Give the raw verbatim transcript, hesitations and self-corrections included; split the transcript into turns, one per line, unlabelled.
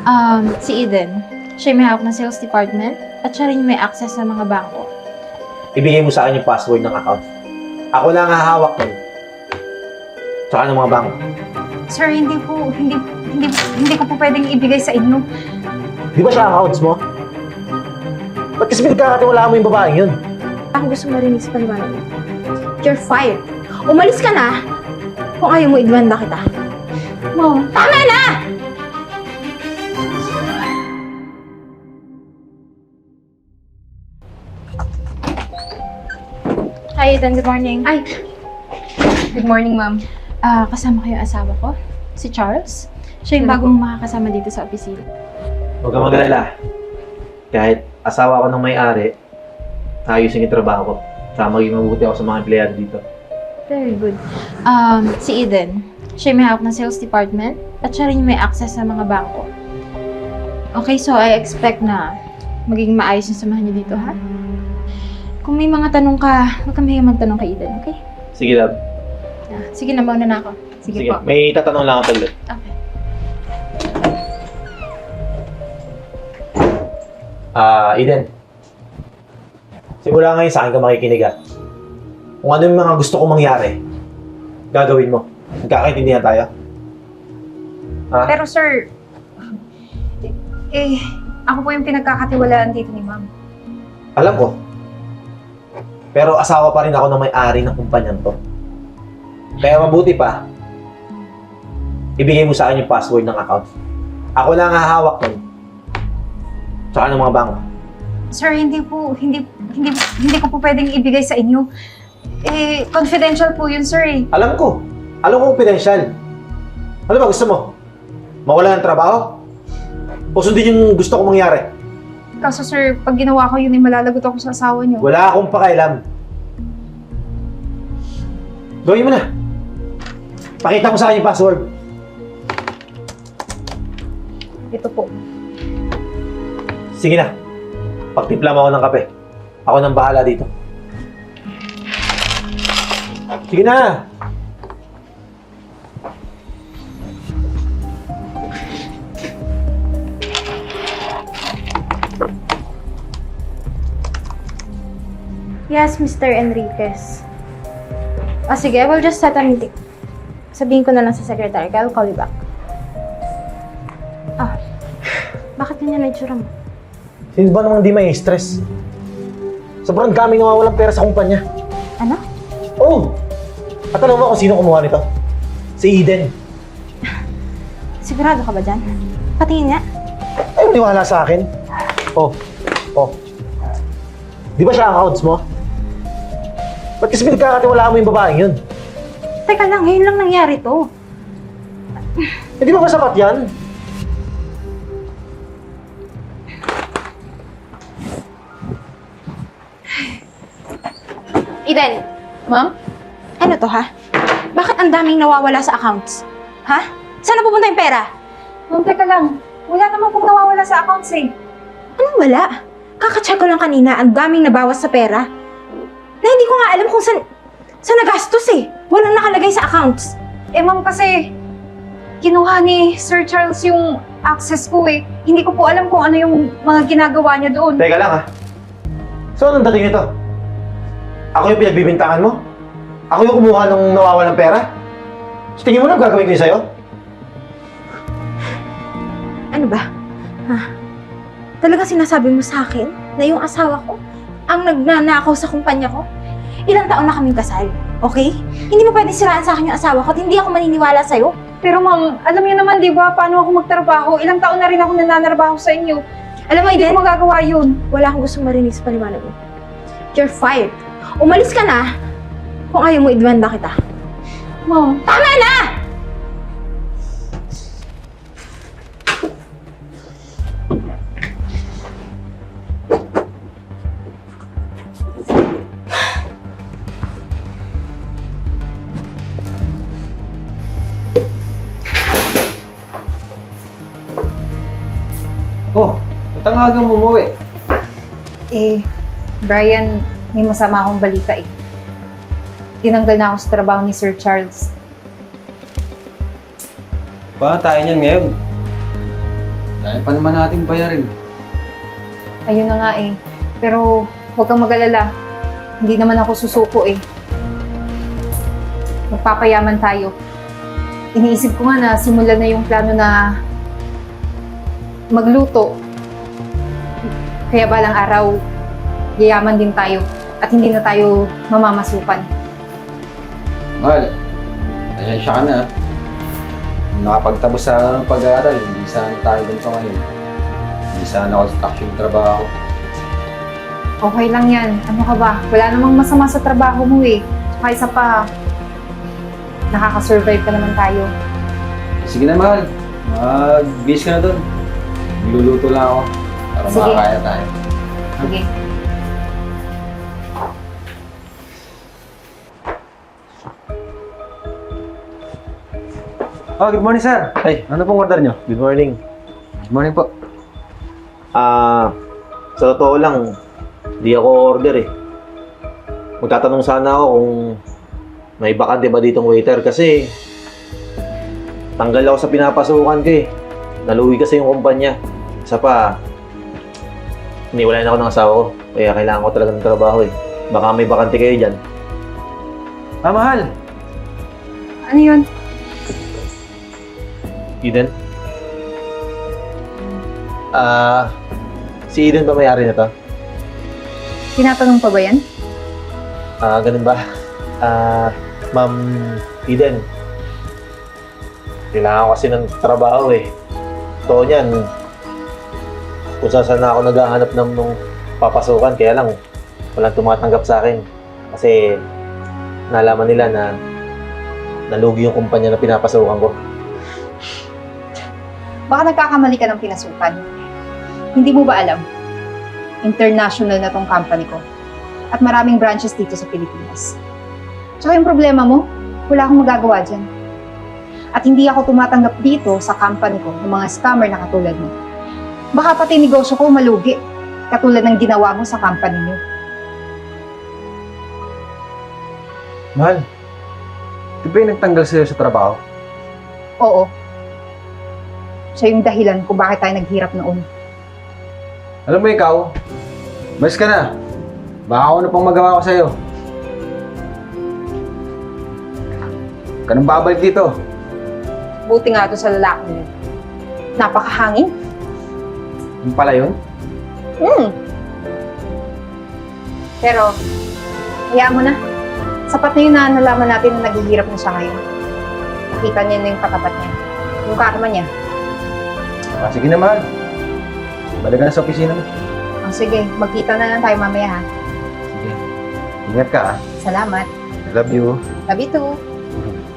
Um, si Eden. Siya yung may hawak ng sales department at siya rin yung may access sa mga bangko.
Ibigay mo sa akin yung password ng account. Ako lang ang hahawak nun. Tsaka ng mga bangko.
Sir, hindi po, hindi, hindi, hindi ko po pwedeng ibigay sa inyo.
Di ba siya accounts mo? Ba't kasi pinagkakatiwalaan mo yung babaeng yun?
Ang gusto mo rin sa paliwanag mo. You're fired. Umalis ka na kung ayaw mo idemanda kita.
Mom,
Tama na! Hi, Eden. Good morning.
ay, good morning, ma'am.
Ah, kasama ko yung asawa ko, si Charles. Siya yung
Ano
bagong makakasama dito sa opisina.
Huwag kang mag-alala. Kahit asawa ko ng may-ari, ayusin yung trabaho ko. Saka maging mabuti ako sa mga empleyado dito.
Very good. Um, si Eden. Siya yung may hawak ng sales department at siya rin yung may access sa mga bangko. Okay, so I expect na magiging maayos yung samahan niyo dito, ha? Kung may mga tanong ka, huwag kang mahiya magtanong kay Eden, okay?
Sige, love.
Ah, sige na, mauna na ako.
Sige,
Sige,
po.
may tatanong lang ako ulit.
Okay.
Ah, Eden. Simula ngayon sa akin ka makikinig ah. Kung ano yung mga gusto kong mangyari, gagawin mo. Nagkakaintindihan tayo? Ha?
Pero sir, eh, ako po yung pinagkakatiwalaan dito ni ma'am.
Alam ko. Pero asawa pa rin ako ng may-ari ng kumpanyan to. Kaya mabuti pa, ibigay mo sa akin yung password ng account. Ako lang ang hahawak nun. Tsaka ng mga bangko.
Sir, hindi po, hindi, hindi, hindi ko po pwedeng ibigay sa inyo. Eh, confidential po yun, sir eh.
Alam ko. Alam ko confidential. Ano ba gusto mo? Mawala ng trabaho? O sundin yung gusto kong mangyari?
Kaso sir, pag ginawa ko yun, eh, malalagot ako sa asawa niyo.
Wala akong pakialam. Gawin mo na. Pakita mo sa akin yung password.
Ito po.
Sige na. Pagtimpla mo ako ng kape. Ako nang bahala dito. Sige na.
Yes, Mister Enriquez. Ah, sige, I will just set a meeting. Sabihin ko na lang sa secretary, I'll call you back. Ah, bakit ganyan na itsura mo?
Sino ba namang di may stress? Sobrang daming nawawalang pera sa kumpanya.
Ano?
Oh! At alam mo kung sino kumuha nito? Si Eden.
Sigurado ka ba dyan? Patingin nga.
Ay, maniwala sa akin. Oh, oh. Di ba siya ang accounts mo? Ba't kasi pinagkakatiwalaan mo yung babaeng yun?
Teka lang, ngayon lang nangyari to.
Hindi ba masapat yan?
Eden,
Ma'am?
ano to ha? Bakit ang daming nawawala sa accounts? Ha? Saan napupunta yung pera?
Ma'am, teka lang. Wala naman pong nawawala sa accounts eh.
Anong wala? Kakacheck ko lang kanina, ang daming nabawas sa pera. Na hindi ko nga alam kung saan, saan nagastos eh. Walang nakalagay sa accounts.
Eh ma'am, kasi kinuha ni Sir Charles yung access ko eh. Hindi ko po alam kung ano yung mga ginagawa niya doon.
Teka lang ha. So anong dating nito? Ako yung pinagbibintangan mo? Ako yung kumuha ng nawawalang pera? So tingin mo na gagawin ko yun sa'yo?
Ano ba? Ha? Talagang sinasabi mo sa akin na yung asawa ko ang nagnanakaw sa kumpanya ko? Ilang taon na kaming kasal, okay? Hindi mo pwede siraan sa akin yung asawa ko at hindi ako maniniwala sa'yo.
Pero ma'am, alam niyo naman di ba paano ako magtrabaho? Ilang taon na rin ako nananarbaho sa inyo.
Alam mo,
Hindi
Eden,
ko magagawa yun.
wala akong gustong marinig sa paliwanag mo. You're fired. Umalis ka na kung ayaw mo idemanda kita.
Ma'am,
Tama na!
Oh, ba't ang aga mo umuwi?
eh, Brian, may masama akong balita eh. Tinanggal na ako sa trabaho ni Sir Charles.
Paano tayo niyan ngayon? Dahil pa naman natin bayarin.
Ayun na nga eh. Pero huwag kang mag-alala. Hindi naman ako susuko eh. Magpapayaman tayo. Iniisip ko nga na simulan na yung plano na magluto. Kaya balang araw, yayaman din tayo at hindi na tayo mamamasukan.
Mahal, pasensya ka na. Nakapagtapos sa pag-aaral, hindi sana tayo ganito ngayon. Hindi sana construction trabaho.
Okay lang yan. Ano ka ba? Wala namang masama sa trabaho mo eh. Tsaka isa pa, nakaka-survive pa naman tayo.
Sige na, mahal. Mag-bis ka na doon. Magluluto lang ako para
Sige.
makakaya tayo.
Sige.
Oh, good morning, sir.
Ay,
Ano pong order nyo?
good morning.
Good morning po.
Ah, sa totoo lang, di ako order eh. Magtatanong sana ako kung may bakante ba ditong waiter kasi tanggal ako sa pinapasukan ko eh. Naluwi kasi yung kumpanya. Isa pa, iniwalayan ako ng asawa ko. Kaya kailangan ko talaga ng trabaho eh. Baka may bakante kayo dyan.
Ah, mahal.
Ano yun?
Eden? Ah, si Eden ba may-ari na to?
Tinatanong pa ba yan?
Ah, ganun ba? Ah, Ma'am Eden. Kailangan ko kasi ng trabaho eh. Totoo niyan. Kung saan saan na ako naghahanap ng nung papasukan, kaya lang walang tumatanggap sa akin. Kasi nalaman nila na nalugi yung kumpanya na pinapasukan ko.
Baka nagkakamali ka ng pinasukan. Hindi mo ba alam? International na tong company ko. At maraming branches dito sa Pilipinas. Tsaka yung problema mo, wala akong magagawa dyan. At hindi ako tumatanggap dito sa company ko ng mga scammer na katulad mo. Baka pati negosyo ko malugi, katulad ng ginawa mo sa company niyo.
Mahal, di ba yung nagtanggal sa'yo sa trabaho?
Oo. Siya yung dahilan kung bakit tayo naghirap noon.
Alam mo ikaw, mas ka na. Baka ako na pang magawa ko sa'yo. Huwag ka nang babalik dito.
Buti nga ito sa lalaki niyo. Napakahangin.
Yung pala yun?
Hmm. Pero, hayaan mo na. Sapat na yun na nalaman natin na naghihirap na siya ngayon. Nakita niya na yung katapat niya. Yung karma niya.
Ah, sige na, mahal. Balik ka na sa opisina mo.
Oh, sige, magkita na lang tayo mamaya ha.
Sige. Ingat ka, ah.
Salamat.
I love you.
Love you too.